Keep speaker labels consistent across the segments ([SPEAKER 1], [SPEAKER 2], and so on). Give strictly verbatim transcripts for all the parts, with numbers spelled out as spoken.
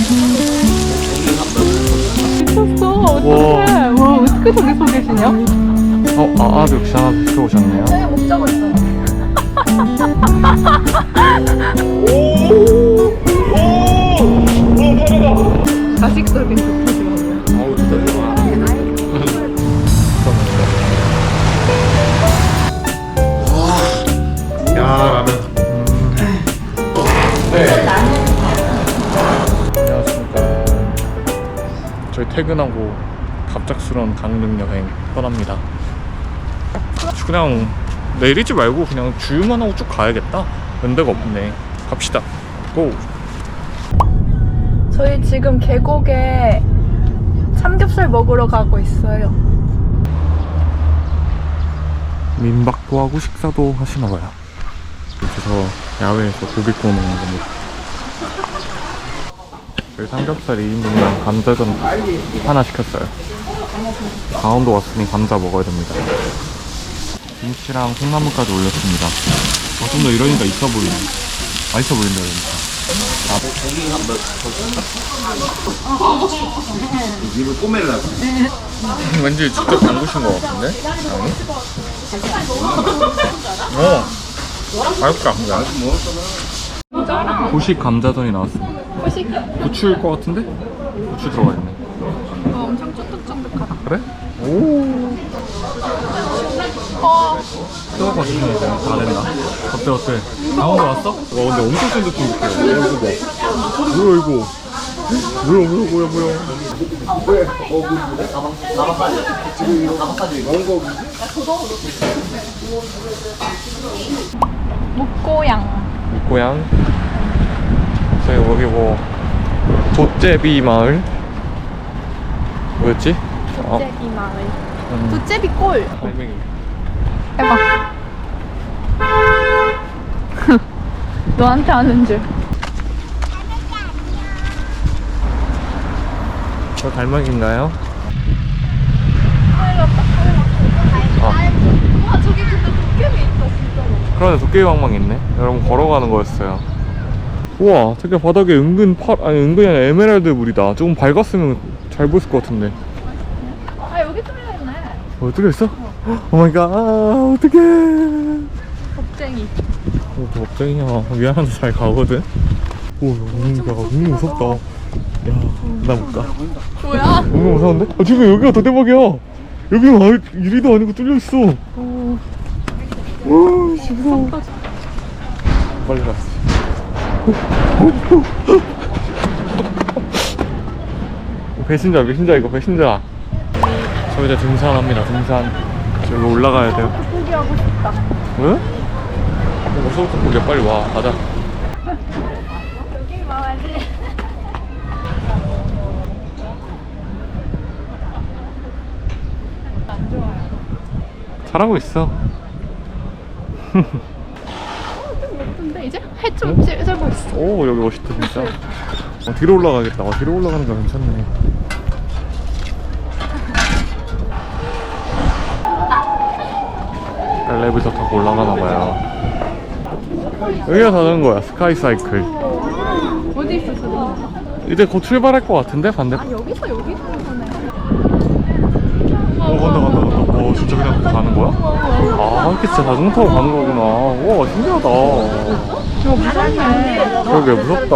[SPEAKER 1] 미쳤어. 어떡해. 와, 어떻게 저기 서 계시냐?
[SPEAKER 2] 어, 아, 아도 역시 하나 들어오셨네요.
[SPEAKER 1] 네, 먹자고 했어. 자식 소리 좋지 마.
[SPEAKER 2] 어우, 진짜 좋아. 야, 라면. 네. 안녕하십니까. 저희 퇴근하고 갑작스러운 강릉 여행 떠납니다. 그냥 내리지 말고 그냥 주유만 하고 쭉 가야겠다. 연대가 없네. 갑시다. 고!
[SPEAKER 1] 저희 지금 계곡에 삼겹살 먹으러 가고 있어요.
[SPEAKER 2] 민박도 하고 식사도 하시나봐요. 그래서 야외에서 고기 구워 먹는 겁니다. 저희 삼겹살 이 인분이랑 감자전 하나 시켰어요. 강원도 왔으니 감자 먹어야 됩니다. 김치랑 콩나물까지 올렸습니다. 아, 좀 더 이러니까 있어 보이네. 맛있어 보인다 그러니까.
[SPEAKER 3] 아, 고기 한번 더 입을 꼬매려고.
[SPEAKER 2] 왠지 직접 담그신 것 같은데? 아니? 어! 맛있다. 고식 감자전이 나왔습니다.
[SPEAKER 1] 후식?
[SPEAKER 2] 부추일 것 같은데? 부추 들어가 있네.
[SPEAKER 1] 어, 엄청 쫀득쫀득하다.
[SPEAKER 2] 그래? 오.
[SPEAKER 1] 어,
[SPEAKER 2] 뜨거워지네. 다 된다. 어때 어때? 강원도 왔어? 와 근데 엄청 쫀득쫀득해. 어, 이거 봐. 뭐야 이거? 뭐야 뭐야 뭐야 뭐야?
[SPEAKER 1] 묵고양.
[SPEAKER 2] 묵고양. 저희 여기 뭐 돛제비 마을. 뭐였지? 어?
[SPEAKER 1] 도제비 마을.
[SPEAKER 2] 음.
[SPEAKER 1] 도제비 꼴.
[SPEAKER 2] 갈매기.
[SPEAKER 1] 해봐. 너한테 아는 줄.
[SPEAKER 2] 저 갈매기인가요? 아.
[SPEAKER 1] 와, 저기 근데 도깨비 있어, 진짜로.
[SPEAKER 2] 그러네, 도깨비 방망이 있네. 여러분 걸어가는 거였어요. 우와, 저기 바닥에 은근 파, 아니 은근히 아니라 에메랄드 물이다. 조금 밝았으면 잘 보였을 것 같은데.
[SPEAKER 1] 아, 여기 뚫려있네.
[SPEAKER 2] 어, 뚫려있어? 오 마이 갓, 아, 어떡해.
[SPEAKER 1] 겁쟁이.
[SPEAKER 2] 어, 너 겁쟁이야. 미안한데 잘 가거든. 오, 뭔가 너무 무섭다. 야, 나 못 가.
[SPEAKER 1] 뭐야?
[SPEAKER 2] 너무 무서운데? 아, 지금 여기가 더 대박이야. 여기는 아, 유리도 아니고 뚫려있어.
[SPEAKER 1] 오,
[SPEAKER 2] 오, 씨, 무서워. 빨리 갔어. 배신자, 배신자, 이거 배신자. 저 이제 등산합니다, 등산. 저기 올라가야 돼요.
[SPEAKER 1] 포기하고 싶다.
[SPEAKER 2] 왜? 어서부터 보게 빨리 와, 가자.
[SPEAKER 1] 여기 와야지. 안 좋아요.
[SPEAKER 2] 잘하고 있어.
[SPEAKER 1] 근데 이제 해 좀 찌르고 있어.
[SPEAKER 2] 오, 여기 멋있다, 진짜. 어, 뒤로 올라가겠다. 어, 뒤로 올라가는 거 괜찮네. 엘리베이터 타고 올라가나봐요. 여기가 자전거야, 스카이 사이클.
[SPEAKER 1] 어디 있어, 저거?
[SPEAKER 2] 이제 곧 출발할 것 같은데, 반대?
[SPEAKER 1] 아, 여기서 여기 가는 거네.
[SPEAKER 2] 어, 간다, 간다, 간다. 어, 진짜 그냥 그렇게 가는 거야? 아, 이렇게 진짜 자전거 타고 가는 거구나. 와, 신기하다.
[SPEAKER 1] 저 무섭네.
[SPEAKER 2] 그러게, 무섭다.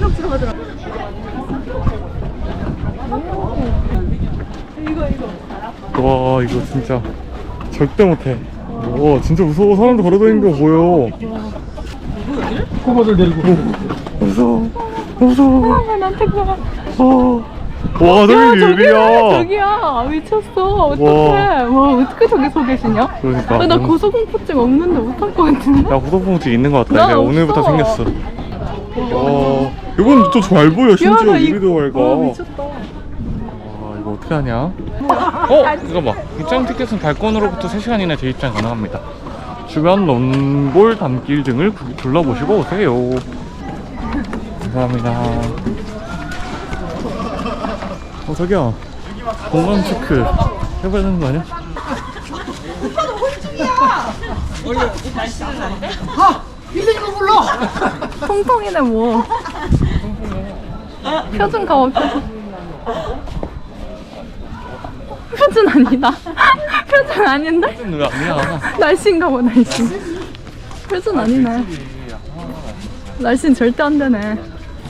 [SPEAKER 1] 이거, 이거.
[SPEAKER 2] 와, 이거 진짜 절대 못해. 와, 진짜 무서워. 사람들 걸어다니는 거 보여. 꼬마들 데리고. 무서워. 무서워.
[SPEAKER 1] 아, 나한테 가.
[SPEAKER 2] 어. 와, 저기 유리야.
[SPEAKER 1] 저기야. 미쳤어. 어떡해. 와, 어떻게 저기 서 계시냐?
[SPEAKER 2] 그러니까.
[SPEAKER 1] 아, 나 고소공포증 없는데 못할 것 같은데?
[SPEAKER 2] 야, 고소공증 있는 것 같다.
[SPEAKER 1] 나
[SPEAKER 2] 내가 오늘부터
[SPEAKER 1] 없어.
[SPEAKER 2] 생겼어. 와, 이건 또 잘 보여. 심지어
[SPEAKER 1] 나 이-
[SPEAKER 2] 유리도 밝아.
[SPEAKER 1] 어, 미쳤다.
[SPEAKER 2] 와, 이거 어떻게 하냐? 어? 잠깐만. 입장 티켓은 발권으로부터 세 시간 이내 재입장 가능합니다. 주변 논골 담길 등을 구- 둘러보시고 오세요. 감사합니다. 어, 자기야. 공간 체크 해봐야 되는 거 아니야?
[SPEAKER 1] 통통이네 뭐. 표준 가봐 표준. 표준 아니다. 표준 아닌데?
[SPEAKER 2] 표준 아니야.
[SPEAKER 1] 날씬가 봐 날씬. 표준 아니네. 날씬 절대 안 되네.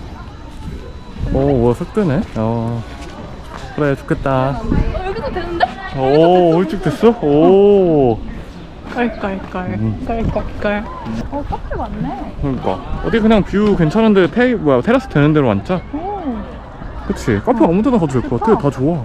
[SPEAKER 2] 오, 뭐 섞드네. 어. 그래, 좋겠다.
[SPEAKER 1] 어, 여기도 되는데?
[SPEAKER 2] 오, 일찍 됐어? 오.
[SPEAKER 1] 깔깔깔
[SPEAKER 2] 음.
[SPEAKER 1] 깔깔깔. 어 카페 많네.
[SPEAKER 2] 그러니까. 어디 그냥 뷰 괜찮은데 테, 뭐야, 테라스 되는 데로 앉자.
[SPEAKER 1] 오.
[SPEAKER 2] 그치. 카페 아무 데나 가도 될 것 같아. 다 좋아.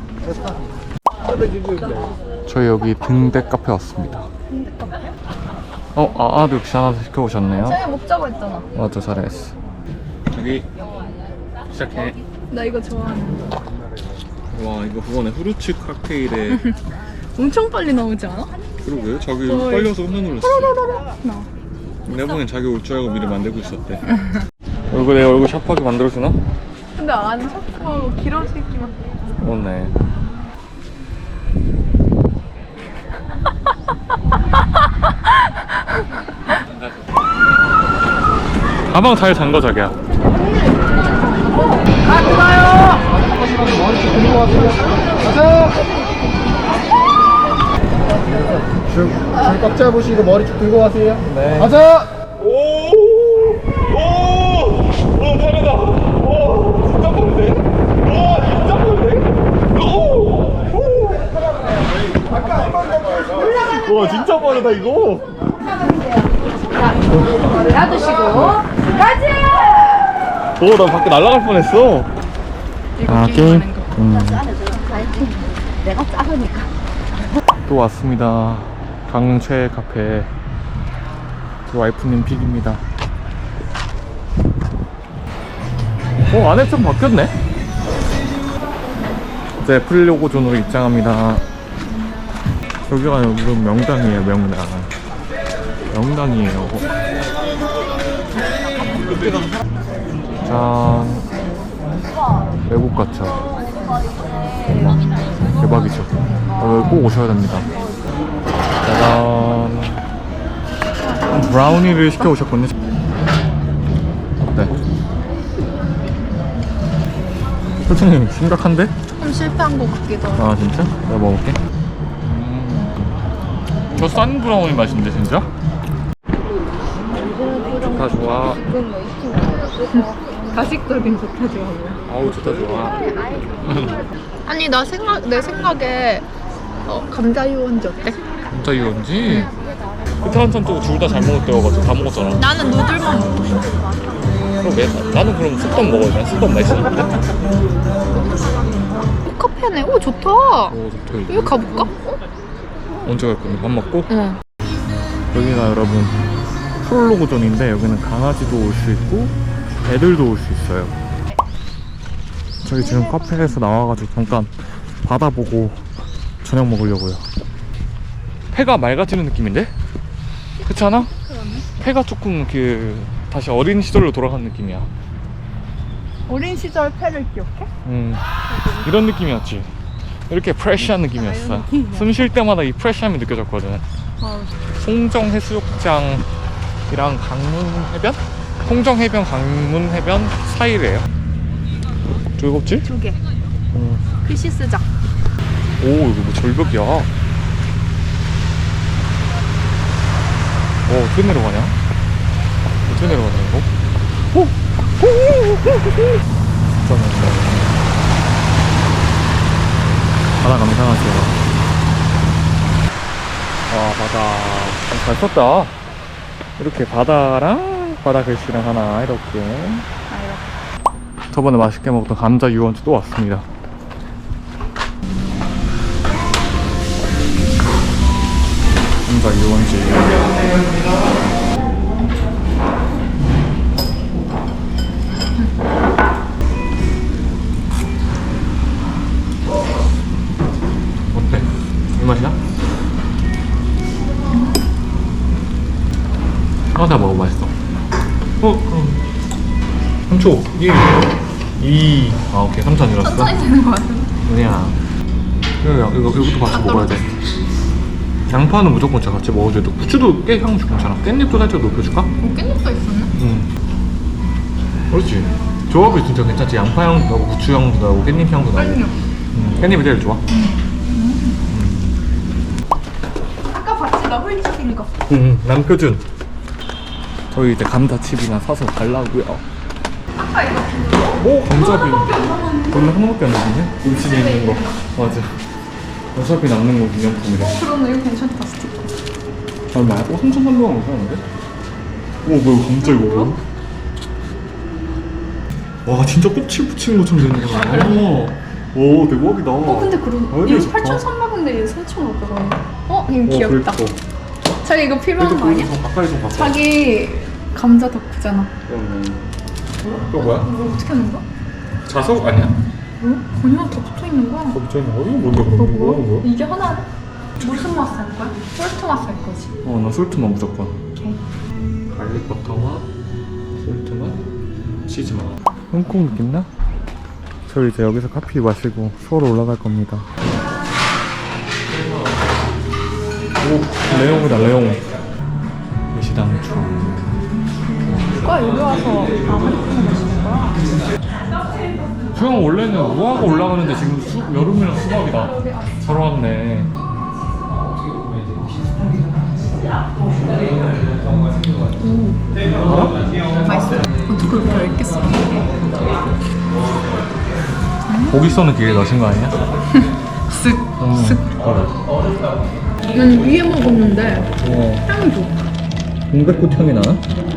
[SPEAKER 2] 저희 여기 등대 카페 왔습니다.
[SPEAKER 1] 근데 카페?
[SPEAKER 2] 어, 아, 아도 역시 하나 시켜오셨네요.
[SPEAKER 1] 저희 먹자고 했잖아.
[SPEAKER 2] 맞아, 잘했어. 여기 시작해.
[SPEAKER 1] 나 이거 좋아하는.
[SPEAKER 2] 와, 이거 그거네. 후르츠 칵테일에.
[SPEAKER 1] 엄청 빨리 나오지 않아?
[SPEAKER 2] 그러게, 자기
[SPEAKER 1] 어이.
[SPEAKER 2] 빨려서 깜짝 놀랐어.
[SPEAKER 1] 나.
[SPEAKER 2] 내가 보기엔 자기 올 줄 알고 미리 만들고 있었대. 얼굴 내 얼굴 샤프하게 만들어주나?
[SPEAKER 1] 근데 안 샤프하고 길어지기만.
[SPEAKER 2] 그렇네. 가방 잘 잠궈 자기야.
[SPEAKER 3] 줄, 줄꽉 잡으시고 머리 쭉 들고 가세요.
[SPEAKER 2] 네.
[SPEAKER 3] 가자!
[SPEAKER 2] 오! 오! 오, 빠르다! 오! 진짜 빠른데? 와, 진짜 빠른데? 오! 오! 와, 진짜 빠르다, 이거!
[SPEAKER 4] 놔두시고 가지!
[SPEAKER 2] 오, 나 밖에 날아갈 뻔했어.
[SPEAKER 1] 이거
[SPEAKER 2] 아,
[SPEAKER 1] 게임
[SPEAKER 2] 게임?
[SPEAKER 1] 하는 거.
[SPEAKER 2] 음.
[SPEAKER 4] 내가 작으니까.
[SPEAKER 2] 또 왔습니다. 강릉 최애 카페. 그 와이프님 픽입니다. 어, 안에 좀 바뀌었네? 이제 프리로고 존으로 입장합니다. 여기가 무슨 명당이에요, 명당. 명당이에요. 짠. 외국 같죠? 대박이죠? 어, 여기 꼭 오셔야 됩니다. 짜잔. 브라우니를 시켜 오셨군요. 어때? 표정이 심각한데?
[SPEAKER 1] 좀 실패한 것 같기도 하고.
[SPEAKER 2] 아, 진짜? 내가 먹어볼게. 음. 저 싼 브라우니 맛인데, 진짜? 좋다, 좋아.
[SPEAKER 1] 가식적인 좋다 좋아하고요.
[SPEAKER 2] 아우, 좋다, 좋아.
[SPEAKER 1] 아니 나 생각 내 생각에 어, 감자 유원지 어때?
[SPEAKER 2] 진짜 이건지? 그때 한참 또 둘 다 잘 먹을 때여가지고 다 먹었잖아.
[SPEAKER 1] 나는 누들만 먹고 싶어.
[SPEAKER 2] 그러게. 나는 그럼 쑥떡 먹어야 돼. 쑥떡 맛있는데?
[SPEAKER 1] 오, 카페네. 오 좋다.
[SPEAKER 2] 오, 좋다, 이거.
[SPEAKER 1] 여기 가볼까? 어?
[SPEAKER 2] 언제 갈 건데? 밥 먹고?
[SPEAKER 1] 응.
[SPEAKER 2] 여기가 여러분 프롤로그존인데 여기는 강아지도 올 수 있고 애들도 올 수 있어요. 저희 지금 카페에서 나와가지고 잠깐 바다 보고 저녁 먹으려고요. 폐가 맑아지는 느낌인데? 그렇지 않아? 폐가 조금 그 다시 어린 시절로 돌아간 느낌이야.
[SPEAKER 1] 어린 시절 패를 기억해?
[SPEAKER 2] 음, 이런 느낌이었지. 이렇게 프레시한 느낌이었어. 숨 쉴 때마다 이 프레시함이 느껴졌거든.
[SPEAKER 1] 어.
[SPEAKER 2] 송정 해수욕장이랑 강문 해변? 송정 해변, 강문 해변 사이래요. 즐겁지?
[SPEAKER 1] 두 개.
[SPEAKER 2] 음.
[SPEAKER 1] 피시스장.
[SPEAKER 2] 오, 이거 뭐 절벽이야. 어, 어떻게 내려가냐? 어떻게 내려가냐, 이거? 오! 진짜 멋있다. 바다 감상하세요. 와, 바다. 잘 썼다. 이렇게 바다랑 바다 글씨랑 하나, 이렇게. 저번에 맛있게 먹었던 감자 유원지 또 왔습니다. 감자 유원지. 어때? 이 맛이야? 하나 먹어, 맛있어. 어, 그럼. 삼 초. 일. 이. 아, 오케이. 삼 초 아니었어?
[SPEAKER 1] 천천히 되는 거 같은데.
[SPEAKER 2] 아니야. 이거, 이거, 이것도 같이 먹어야 돼. 양파는 무조건 진짜 같이 먹어줘야 돼. 후추도 꽤 향 좋잖아. 깻잎도 살짝 높여줄까?
[SPEAKER 1] 어, 깻잎도 있었네?
[SPEAKER 2] 응. 그렇지. 조합이 진짜 괜찮지. 양파 향도 나고 부추 향도 나고 깻잎 향도 나고. 음, 깻잎이 제일 좋아.
[SPEAKER 1] 아까 봤지 나 홀쭉인 거.
[SPEAKER 2] 음, 남표준. 저희 이제 감자칩이나 사서 갈라고요.
[SPEAKER 1] 아까 이거
[SPEAKER 2] 오, 감자비. 원래 하나밖에 안 남았네? 음식에 있는 거. 맞아. 어차피 남는 거 기념품이래.
[SPEAKER 1] 그러네 이거 괜찮다 스티커.
[SPEAKER 2] 얼마야? 어, 삼천삼백 원 이상한데? 오, 뭐야, 감자 이거 뭐야? 와, 진짜 껍질 붙이는 것처럼 되는 거야. 오, 대박이다.
[SPEAKER 1] 어 근데 그럼
[SPEAKER 2] 아,
[SPEAKER 1] 이거
[SPEAKER 2] 좋다.
[SPEAKER 1] 팔천삼백 원인데 얘 사천오백 원. 어? 이거
[SPEAKER 2] 어,
[SPEAKER 1] 귀엽다.
[SPEAKER 2] 그러니까.
[SPEAKER 1] 자기 이거 필요한 거 아니야?
[SPEAKER 2] 좀 가까이 좀 봐봐.
[SPEAKER 1] 자기 감자 덕후잖아.
[SPEAKER 2] 이거 뭐야?
[SPEAKER 1] 이거 어떻게 하는 거야?
[SPEAKER 2] 자석 아니야?
[SPEAKER 1] 뭐? 그냥 더 붙어 있는 거야.
[SPEAKER 2] 갑자기 어디 뭔데
[SPEAKER 1] 이거
[SPEAKER 2] 그런
[SPEAKER 1] 뭐야?
[SPEAKER 2] 거? 뭐야?
[SPEAKER 1] 이게 하나야? 무슨 맛 살 거야? 솔트 맛 살 거지.
[SPEAKER 2] 어, 나 솔트만 무조건.
[SPEAKER 1] 오케이.
[SPEAKER 2] 갈릭 버터와 솔트만 치즈만. 홍콩 느낌 나? 저 이제 여기서 커피 마시고 서울 올라갈 겁니다. 오, 레옹이다 레옹. 시당 주.
[SPEAKER 1] 누가 여기 와서 다 한꺼번에 마시는 거야?
[SPEAKER 2] 수영 원래는 무화과 올라가는데 지금 수, 여름이랑 수박이다. 잘 왔네.
[SPEAKER 1] 맛있어. 어떻게 그렇게 얇겠어?
[SPEAKER 2] 고기 써는 길에 넣으신 거 아니야?
[SPEAKER 1] 쓱,
[SPEAKER 2] 음.
[SPEAKER 1] 쓱. 난 위에 먹었는데
[SPEAKER 2] 어.
[SPEAKER 1] 향이 좋아.
[SPEAKER 2] 동백꽃 향이 나나?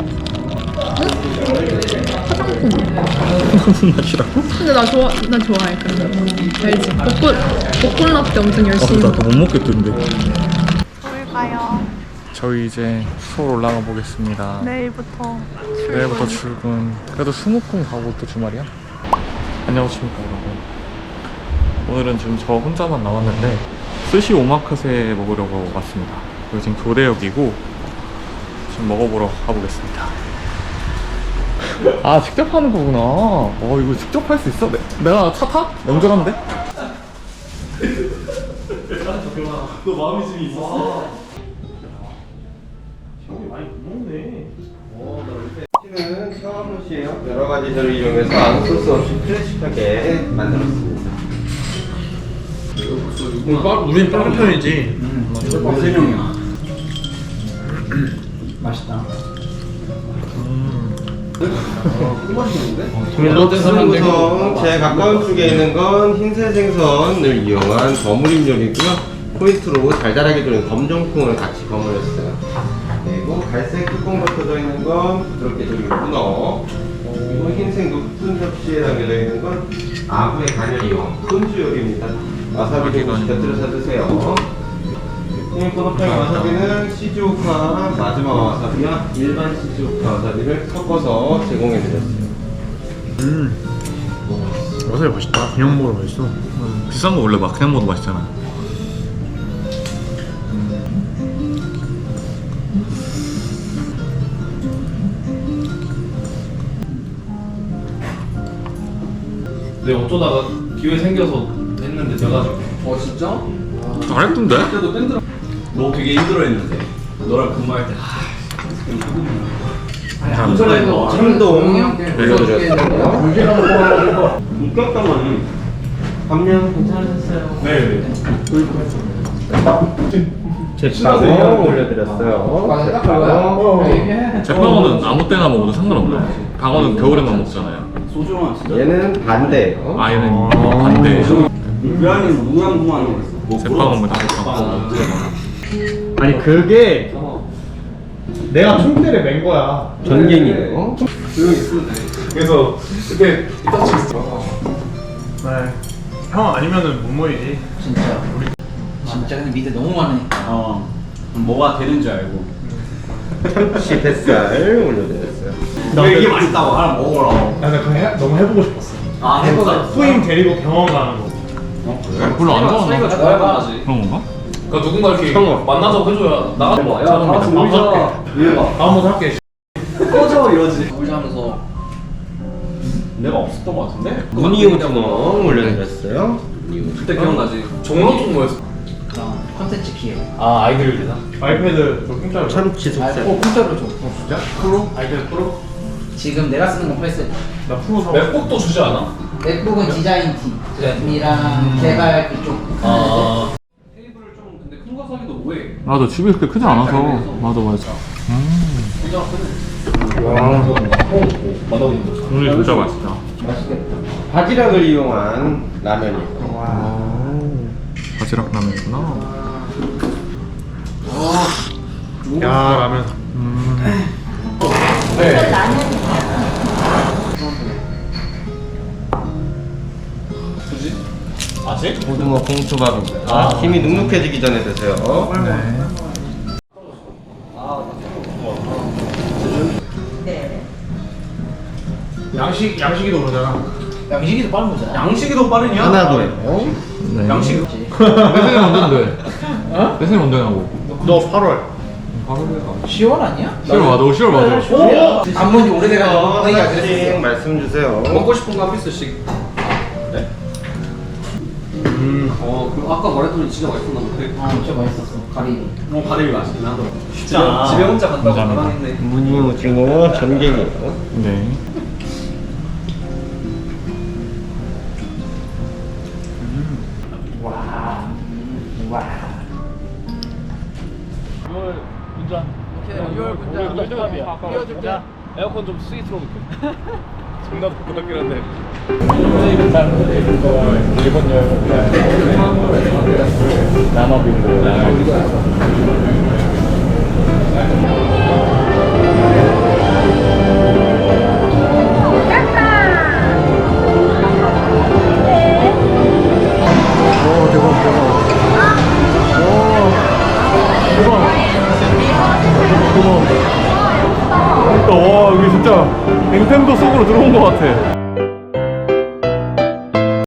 [SPEAKER 1] 화장품.
[SPEAKER 2] 무슨 맛이라고?
[SPEAKER 1] 근데 나 좋아, 나 좋아해. 그런 거. 알지? 벚꽃, 벚꽃 라떼 엄청 열심히
[SPEAKER 2] 아,
[SPEAKER 1] 먹어.
[SPEAKER 2] 나못 먹겠던데.
[SPEAKER 1] 서울 가요.
[SPEAKER 2] 저희 이제 서울 올라가 보겠습니다.
[SPEAKER 1] 내일부터 출근.
[SPEAKER 2] 내일부터 출근. 그래도 수목금 가고 또 주말이야? 안녕하십니까 여러분. 오늘은 지금 저 혼자만 나왔는데 스시 오마카세 먹으려고 왔습니다. 여기 지금 교대역이고 지금 먹어보러 가보겠습니다. 아, 직접 하는 거구나. 어, 이거 직접 할 수 있어? 내, 내가 차 타? 운전하면 돼? 너 마음이 지금 있었어?
[SPEAKER 5] 는 샤워무시에요. 여러 가지 재료를 이용해서 아무 소스 없이 클래식하게 만들었습니다.
[SPEAKER 3] 우린 빠른 편이지.
[SPEAKER 5] 세 명이야. 맛있다. 롯데스는 구성 제일 가까운 쪽에 있는 건 흰새 생선을 이용한 버무림 요리고요. 포인트로 달달하게 도는 검정콩을 같이 버무렸어요. 그리고 갈색 뚜껑 벗겨져 있는 건 부드럽게 졸인 문어. 그리고 흰색 높은 접시에 담겨져 있는 건 아구의 간열이요. 손주 요리입니다. 와사비도 같이 곁들여서 드세요. 코노파이 와사비는 시즈오카 마지막 와사비와 일반 시즈오카 와사비를 섞어서 제공해드렸어요.
[SPEAKER 3] 음. 와사비 맛있다. 그냥 먹어도 맛있어.
[SPEAKER 2] 음, 비싼 거 원래 막 그냥 먹어도 맛있잖아.
[SPEAKER 6] 내 어쩌다가 기회 생겨서 했는데 돼가지고. 어 진짜?
[SPEAKER 2] 잘했던데?
[SPEAKER 6] 그때도 밴드로. 너 되게 힘들어했는데. 너랑 근무할 때.
[SPEAKER 5] 감사합니다. 참동 올려드렸어요. 육각당은 감량 괜찮으셨어요?
[SPEAKER 6] 네.
[SPEAKER 5] 제빵 올려드렸어요. 제빵.
[SPEAKER 2] 제빵어는 아무 때나 먹어도 상관없나? 방어는 겨울에만 먹잖아요.
[SPEAKER 5] 얘는 반대예요.
[SPEAKER 2] 아, 얘는 어, 반대.
[SPEAKER 6] 유한이는 무한무한 거였어.
[SPEAKER 2] 제빵은 뭐 다 제빵.
[SPEAKER 3] 아니 그게 내가 총대를 맨 거야.
[SPEAKER 5] 전갱이에요.
[SPEAKER 6] 그래서 그때 이따 쳤어.
[SPEAKER 3] 네. 형 아니면은 못 모이지.
[SPEAKER 7] 진짜 우리 진짜 근데 밑에 너무 많으니까 어 뭐가 되는 줄 알고
[SPEAKER 5] 참치 뱃살 올려드렸어요.
[SPEAKER 3] 나
[SPEAKER 7] 이게 맛있다고 하나 먹어라.
[SPEAKER 3] 나 그거 해, 너무 해보고 싶었어.
[SPEAKER 7] 아 해보자.
[SPEAKER 3] 후임 데리고 병원 가는 거.
[SPEAKER 2] 별로 안 좋아하나?
[SPEAKER 6] 사이가 좋아야지.
[SPEAKER 2] 그런 건가?
[SPEAKER 6] 그러니까 누군가 이렇게 만나자고 해줘야 나가. 야, 다 같이 놀자. 이래봐.
[SPEAKER 3] 다음부터 할게.
[SPEAKER 6] 꺼져 이러지.
[SPEAKER 7] 놀자 하면서
[SPEAKER 6] 내가 없었던 거 같은데?
[SPEAKER 5] 무늬 오징어 올려드렸어요.
[SPEAKER 6] 그때 기억나지? 종로 쪽 뭐였어?
[SPEAKER 7] 그런 컨텐츠 기획.
[SPEAKER 6] 아 아이들 되나?
[SPEAKER 3] 아이패드 저 공짜로.
[SPEAKER 5] 참치 속살.
[SPEAKER 7] 어 공짜로 줘.
[SPEAKER 3] 진짜?
[SPEAKER 7] 프로? 아이들 프로? 지금 내가 쓰는 건 팔 세트.
[SPEAKER 6] 나 프로 사. 맥북도 주지 않아?
[SPEAKER 7] 맥북은 디자인
[SPEAKER 6] 디자인
[SPEAKER 7] 팀이랑 개발 그쪽.
[SPEAKER 6] 아. 테이블을 좀 근데 큰 거 사기도 뭐해?
[SPEAKER 2] 맞아, 집이 그렇게 크지 않아서. 맞아, 맞아.
[SPEAKER 6] 만원인데.
[SPEAKER 2] 오늘 진짜 맛있다.
[SPEAKER 5] 바지락을 이용한 라면이에요.
[SPEAKER 2] 바지락 라면이구나.
[SPEAKER 3] 야 라면.
[SPEAKER 6] 굳이? 아직?
[SPEAKER 5] 고등어 콩초밥입니다. 김이 눅눅해지기 전에 드세요.
[SPEAKER 3] 양식 양식이도 그러잖아.
[SPEAKER 7] 양식이도 빠른 거잖아.
[SPEAKER 6] 양식이 더 빠르냐?
[SPEAKER 5] 하나도예요.
[SPEAKER 2] 네.
[SPEAKER 6] 양식.
[SPEAKER 2] 내 생일 언제인데? 어? 내 생일 언제 나고?
[SPEAKER 3] 너 팔월.
[SPEAKER 7] 시월 아니야?
[SPEAKER 2] 시월 맞아, 시월 맞아.
[SPEAKER 7] 오! 안본지 오래돼가지고
[SPEAKER 5] 어,
[SPEAKER 7] 거기가
[SPEAKER 5] 하나씩
[SPEAKER 7] 그랬어.
[SPEAKER 5] 말씀 주세요.
[SPEAKER 6] 먹고 싶은 거 한 피스씩. 네? 음. 어, 그 아까 말했더니 진짜 맛있었나 본데.
[SPEAKER 7] 아 진짜 맛있었어. 가리비.
[SPEAKER 6] 어, 가리비 맛있긴 하더라. 집에, 집에 혼자 간다고
[SPEAKER 2] 감사합니다.
[SPEAKER 6] 가만했네.
[SPEAKER 5] 무늬 오징어 전갱이에요.
[SPEAKER 2] 네.
[SPEAKER 7] 와. 와.
[SPEAKER 6] 유월 분장. 유월 분장. 분장이야. 띄워줄게. 에어컨 좀 스위트로 볼게. 존나 덥고 덥긴 한데. 일본 여행. 남아빈.